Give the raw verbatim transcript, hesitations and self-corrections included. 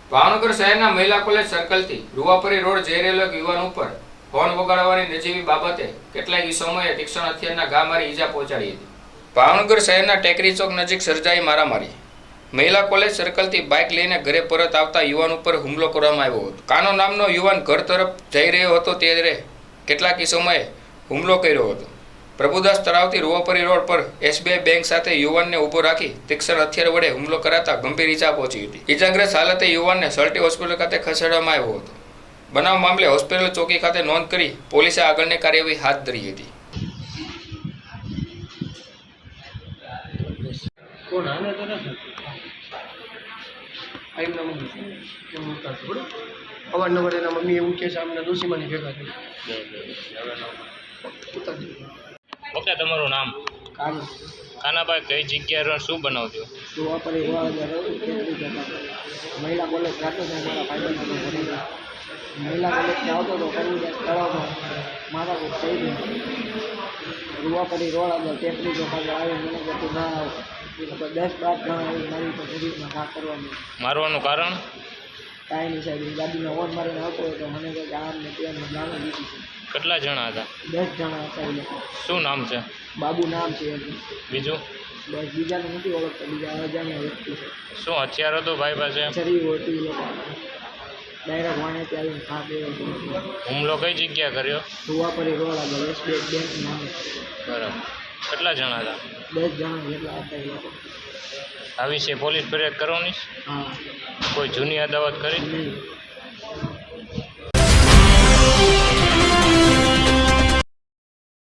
ભાવનગર શહેરના મહિલા college સર્કલથી રૂવાપરી road જઈ રહેલો એક યુવાન ઉપર ફોન વગાડવાની નજીવી બાબતે કેટલાક ઇસમોએ તીક્ષ્ણ હથિયારના ઘા મારી ઈજા પહોંચાડી હતી। ભાવનગર શહેરના ટેકરી ચોક નજીક સર્જાઈ મારામારી। મહિલા કોલેજ સર્કલથી બાઇક લઈને ઘરે પરત આવતા યુવાન ઉપર હુમલો કરવામાં આવ્યો હતો। કાનો નામનો યુવાન ઘર તરફ જઈ રહ્યો હતો ત્યારે કેટલાક ઇસમોએ હુમલો કર્યો હતો। પ્રભુદાસ તળાવથી રૂવાપરી રોડ પર એસબીઆઈ બેંક સાથે યુવાનને ઊભો રાખી તીક્ષ્ણ હથિયાર વડે હુમલો કરાતા ગંભીર ઈજા પહોંચી હતી। ઈજાગ્રસ્ત હાલતે યુવાનને સલટી હોસ્પિટલ ખાતે ખસેડવામાં આવ્યો હતો। બનાવ મામલે હોસ્પિટલ ચોકી ખાતે નોંધ કરી પોલીસે આગળની કાર્યવાહી હાથ ધરી હતી। કોણ આને તો નથી આઈમના મમ્મી કેમ મૂકતા થોડું અવારનવાર એના મમ્મી એવું કહે છે અમને દોશીમાની ભેગા થઈ ઓકે, તમારું નામ? કાનું કાનાભાઈ, કઈ જગ્યાએ શું બનાવજો? રૂવાપરી મહિલા કોલેજ જાતો હતો મારા ફાયદા ભરેલા મહિલા કોલેજથી આવતો હતો પ્રભુદાસ તળાવમાં મારા કોઈ થઈ ગયું રૂવાપરી રોડ આગળ ટેકરી ચોક આવે મને કહેતું ના આવો એટલે દસ બાર જણા આવી મારી તો શરીરમાં ઘા કરવાનું। મારવાનું કારણ? કાંઈ નહીં સાહેબ, ગાડીનો ઓન મારીને આવતો હોય તો મને કહે કે આમ ને તેમ જાણો દીધી છે। કેટલા જણા હતા? દસ જણા હતા એ લોકો। શું નામ છે? બાબુ નામ છે એનું। બીજું? બસ બીજાને નથી ઓળખતો, બીજા અજાણ્યા વ્યક્તિ છે। શું હથિયાર હતું ભાઈ પાસે? શરીર હતી એ લોકો ડાયરેક્ટ વાણેથી આવીને ખા દેવો હુમલો કઈ જગ્યા કર્યો? રૂવાપરી રોડ આગળ એસબીઆઈ બેંક નામે। બરાબર, કેટલા જણા હતા? દસ જણા જેટલા હતા એ લોકો। આ વિશે પોલીસ ફરિયાદ કરવાની? હા, કોઈ જૂની અદાવત કરી? નહીં।